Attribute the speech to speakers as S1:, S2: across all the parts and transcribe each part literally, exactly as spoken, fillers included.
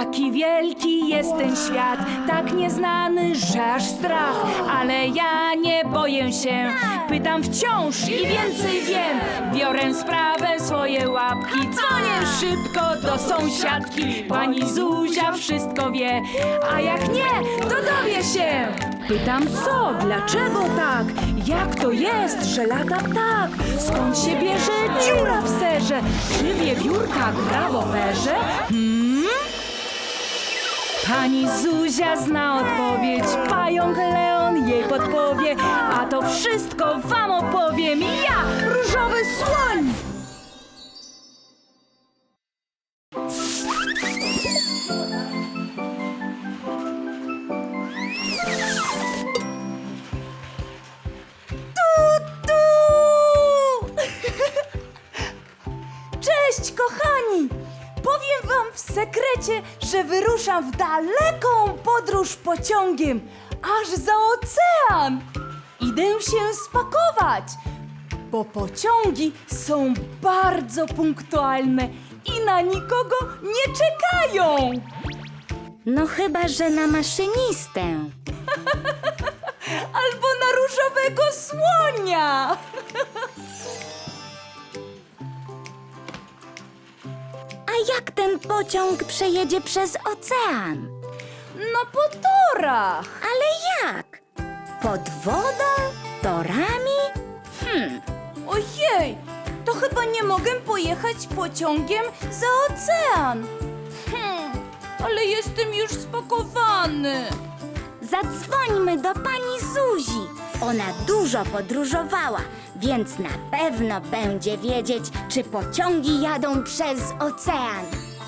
S1: Jaki wielki jest ten świat, tak nieznany, że aż strach. Ale ja nie boję się, pytam wciąż i więcej wiem. Biorę sprawę w swoje łapki, dzwonię szybko do sąsiadki. Pani Zuzia wszystko wie, a jak nie, to dowie się. Pytam co, dlaczego tak, jak to jest, że lata ptak? Skąd się bierze dziura w serze? Czy wiewiórka gra w operze? Hmm? Pani Zuzia zna odpowiedź, pająk Leon jej podpowie, a to wszystko wam opowiem ja, różowy słoń!
S2: Cześć, kochani! Powiem wam w sekrecie, że wyruszam w daleką podróż pociągiem, aż za ocean. Idę się spakować, bo pociągi są bardzo punktualne i na nikogo nie czekają.
S3: No chyba, że na maszynistę.
S2: Albo na różowego słonia.
S3: A jak ten pociąg przejedzie przez ocean?
S2: No po torach.
S3: Ale jak? Pod wodą? Torami? Hmm,
S2: Ojej, to chyba nie mogę pojechać pociągiem za ocean. Hmm, ale jestem już spakowany.
S3: zadzwońmy do pani Zuzi. Ona dużo podróżowała, więc na pewno będzie wiedzieć, czy pociągi jadą przez ocean.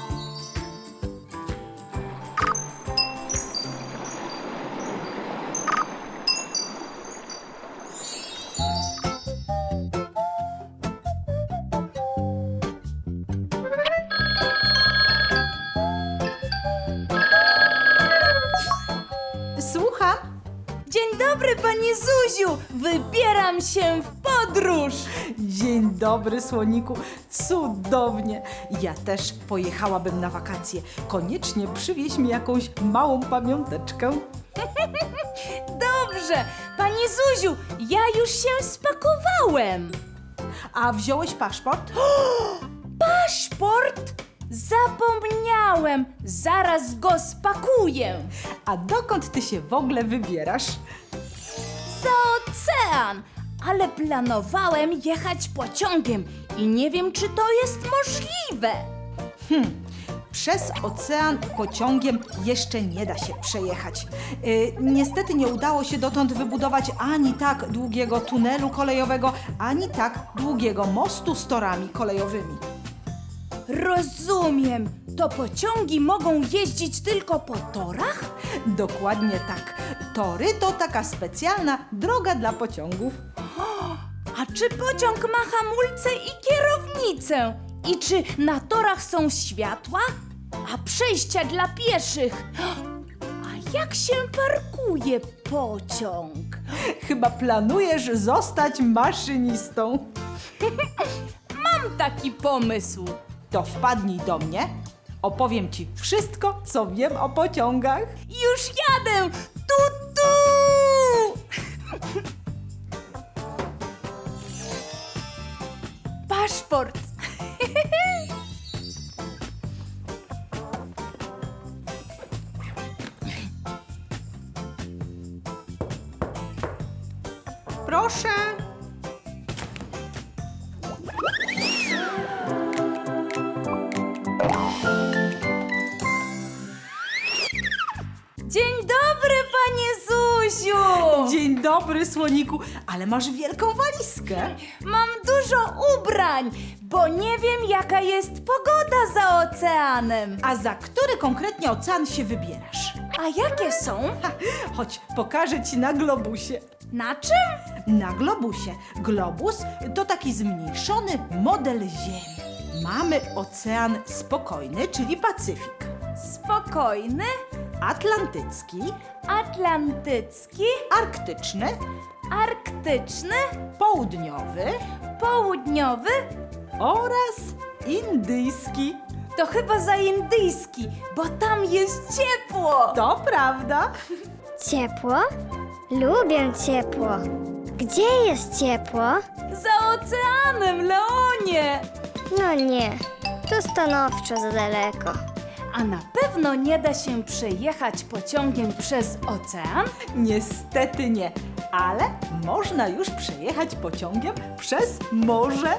S4: Słucham?
S2: Dzień dobry, pani Zuziu! Wybieram się w podróż!
S4: Dzień dobry, słoniku. Cudownie. Ja też pojechałabym na wakacje. Koniecznie przywieź mi jakąś małą pamiąteczkę.
S2: Dobrze, pani Zuziu, ja już się spakowałem.
S4: A wziąłeś paszport?
S2: Paszport? Zapomniałem, zaraz go spakuję.
S4: A dokąd ty się w ogóle wybierasz?
S2: Za ocean, ale planowałem jechać pociągiem i nie wiem, czy to jest możliwe.
S4: Przez ocean pociągiem jeszcze nie da się przejechać. Yy, niestety nie udało się dotąd wybudować ani tak długiego tunelu kolejowego, ani tak długiego mostu z torami kolejowymi.
S2: Rozumiem, to pociągi mogą jeździć tylko po torach?
S4: Dokładnie tak. Tory to taka specjalna droga dla pociągów.
S2: A czy pociąg ma hamulce i kierownicę? I czy na torach są światła? A przejścia dla pieszych? A jak się parkuje pociąg?
S4: Chyba planujesz zostać maszynistą.
S2: Mam taki pomysł.
S4: To wpadnij do mnie. Opowiem ci wszystko, co wiem o pociągach.
S2: Już jadę! Tu, tu! Paszport.
S4: Proszę.
S2: Dzień dobry, panie Zuziu!
S4: Dzień dobry, słoniku. Ale masz wielką walizkę.
S2: Mam dużo ubrań, bo nie wiem, jaka jest pogoda za oceanem.
S4: A za który konkretnie ocean się wybierasz?
S2: A jakie są?
S4: Ha, chodź, pokażę ci na globusie.
S2: Na czym?
S4: Na globusie. Globus to taki zmniejszony model Ziemi. Mamy ocean spokojny, czyli Pacyfik.
S2: Spokojny,
S4: Atlantycki,
S2: atlantycki,
S4: arktyczny,
S2: arktyczny,
S4: południowy
S2: południowy.
S4: oraz indyjski.
S2: To chyba za indyjski, bo tam jest ciepło.
S4: To prawda.
S5: Ciepło? Lubię ciepło. Gdzie jest ciepło?
S2: Za oceanem, Leonie.
S5: No nie, to stanowczo za daleko.
S2: A na pewno nie da się przejechać pociągiem przez ocean?
S4: Niestety nie, ale można już przejechać pociągiem przez morze.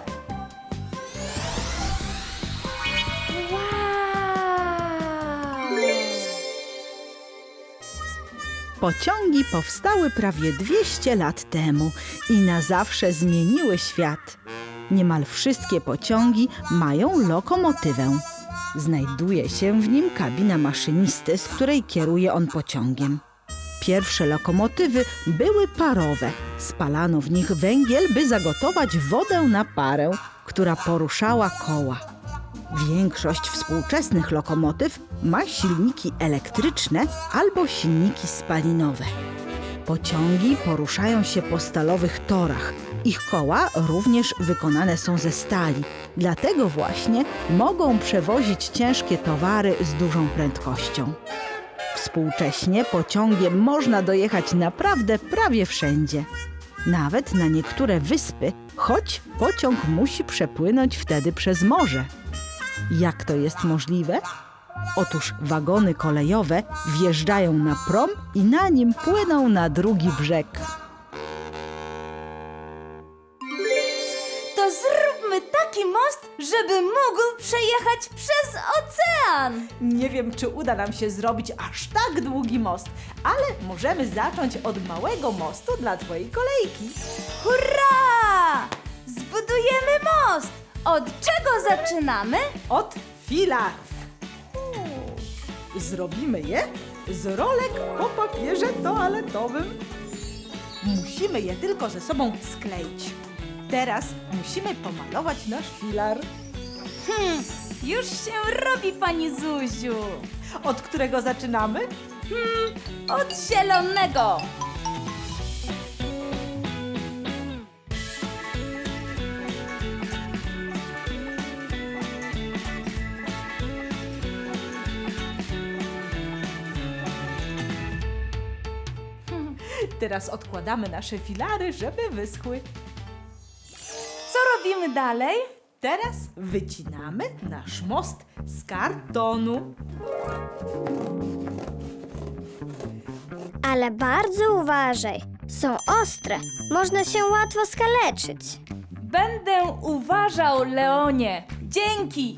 S6: Pociągi powstały prawie dwieście lat temu i na zawsze zmieniły świat. Niemal wszystkie pociągi mają lokomotywę. Znajduje się w nim kabina maszynisty, z której kieruje on pociągiem. Pierwsze lokomotywy były parowe. Spalano w nich węgiel, by zagotować wodę na parę, która poruszała koła. Większość współczesnych lokomotyw ma silniki elektryczne albo silniki spalinowe. Pociągi poruszają się po stalowych torach. Ich koła również wykonane są ze stali. Dlatego właśnie mogą przewozić ciężkie towary z dużą prędkością. Współcześnie pociągiem można dojechać naprawdę prawie wszędzie. Nawet na niektóre wyspy, choć pociąg musi przepłynąć wtedy przez morze. Jak to jest możliwe? Otóż wagony kolejowe wjeżdżają na prom i na nim płyną na drugi brzeg.
S2: To zróbmy taki most, żeby mógł przejechać przez ocean.
S4: Nie wiem, czy uda nam się zrobić aż tak długi most, ale możemy zacząć od małego mostu dla twojej kolejki.
S2: Hurra! Zbudujemy most! Od czego zaczynamy?
S4: Od filarów. Zrobimy je z rolek po papierze toaletowym. Musimy je tylko ze sobą skleić. Teraz musimy pomalować nasz filar.
S2: Hmm, już się robi, pani Zuziu.
S4: Od którego zaczynamy?
S2: Od zielonego.
S4: Teraz odkładamy nasze filary, żeby wyschły.
S2: Co robimy dalej?
S4: Teraz wycinamy nasz most z kartonu.
S5: Ale bardzo uważaj. Są ostre. Można się łatwo skaleczyć.
S2: Będę uważał, Leonie. Dzięki.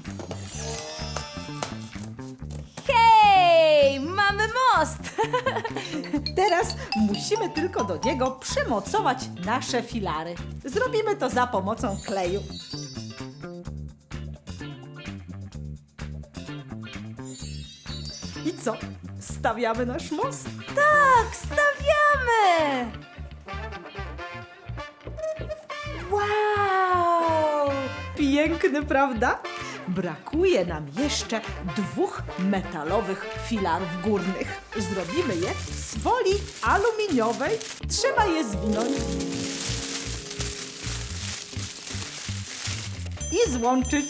S2: Hej, mamy most.
S4: Teraz musimy tylko do niego przymocować nasze filary. Zrobimy to za pomocą kleju. I co? Stawiamy nasz most?
S2: Tak, stawiamy. Wow.
S4: Piękny, prawda? Brakuje nam jeszcze dwóch metalowych filarów górnych. Zrobimy je z folii aluminiowej. Trzeba je zwinąć i złączyć.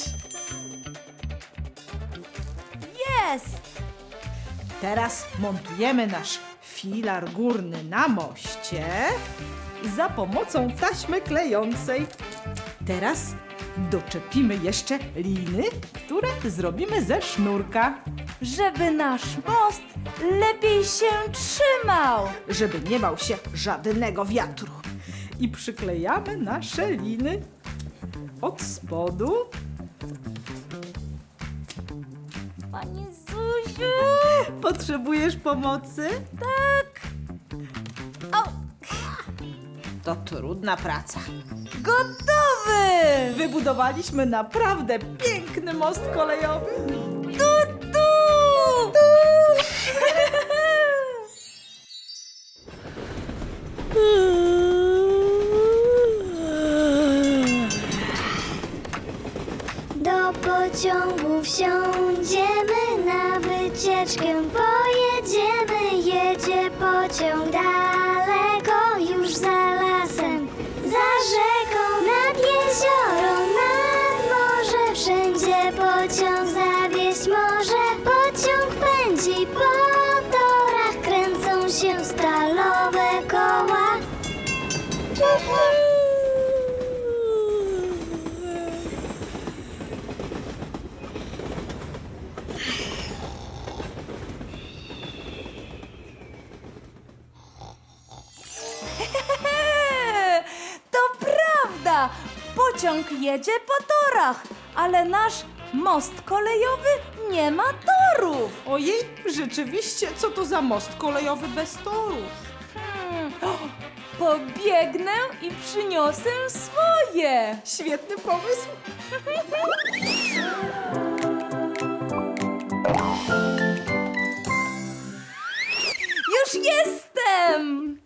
S2: Jest.
S4: Teraz montujemy nasz filar górny na moście za pomocą taśmy klejącej. Teraz doczepimy jeszcze liny, które zrobimy ze sznurka,
S2: Żeby nasz most lepiej się trzymał.
S4: żeby nie bał się żadnego wiatru. I przyklejamy nasze liny od spodu.
S2: Pani Zuziu.
S4: Potrzebujesz pomocy?
S2: Tak. O,
S4: To trudna praca.
S2: gotowy.
S4: Wybudowaliśmy naprawdę piękny most kolejowy.
S2: Tu, tu.
S5: Do pociągu wsiądziemy, na wycieczkę pojedziemy. Jedzie pociąg daleko, już za lasem, za rzeką, nad jezioro, nad morze. Wszędzie pociąg zawiezie
S2: pociąg jedzie po torach, ale nasz most kolejowy nie ma torów.
S4: Ojej, rzeczywiście, co to za most kolejowy bez torów?
S2: Hmm. O, pobiegnę i przyniosę swoje.
S4: Świetny pomysł.
S2: Już jestem!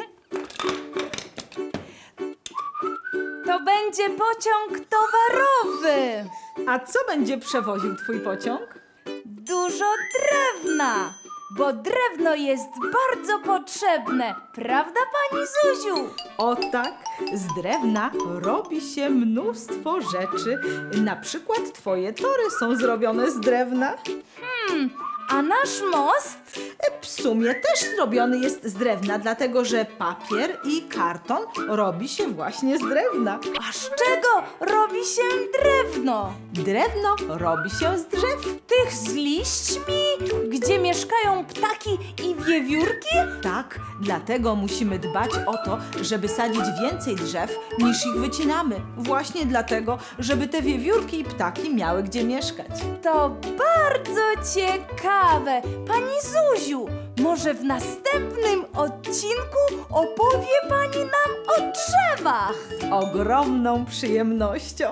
S2: To będzie pociąg towarowy.
S4: A co będzie przewoził twój pociąg?
S2: Dużo drewna, bo drewno jest bardzo potrzebne. Prawda, pani Zuziu?
S4: O tak, z drewna robi się mnóstwo rzeczy. Na przykład twoje tory są zrobione z drewna.
S2: A nasz most?
S4: W sumie też zrobiony jest z drewna, dlatego że papier i karton robi się właśnie z drewna.
S2: A z czego robi się drewno?
S4: Drewno robi się z drzew.
S2: Tych z liśćmi, gdzie mieszkają ptaki i wiewiórki?
S4: Tak, dlatego musimy dbać o to, żeby sadzić więcej drzew niż ich wycinamy. Właśnie dlatego, żeby te wiewiórki i ptaki miały gdzie mieszkać.
S2: To bardzo ciekawe. Pani Zuziu, może w następnym odcinku opowie pani nam o drzewach.
S4: Z ogromną przyjemnością.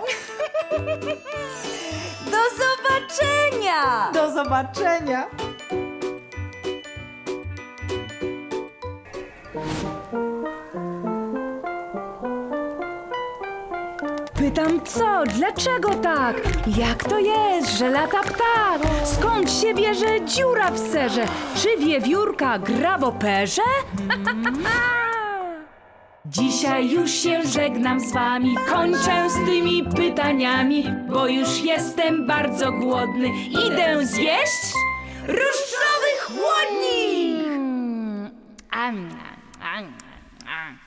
S2: Do zobaczenia!
S4: Do zobaczenia!
S1: Pytam co? Dlaczego tak? Jak to jest, że lata ptak? Skąd się bierze dziura w serze? Czy wiewiórka gra w operze? Dzisiaj już się żegnam z wami, kończę z tymi pytaniami, bo już jestem bardzo głodny. Idę zjeść rusztowy chłodnik!
S2: Mm, am, am, am.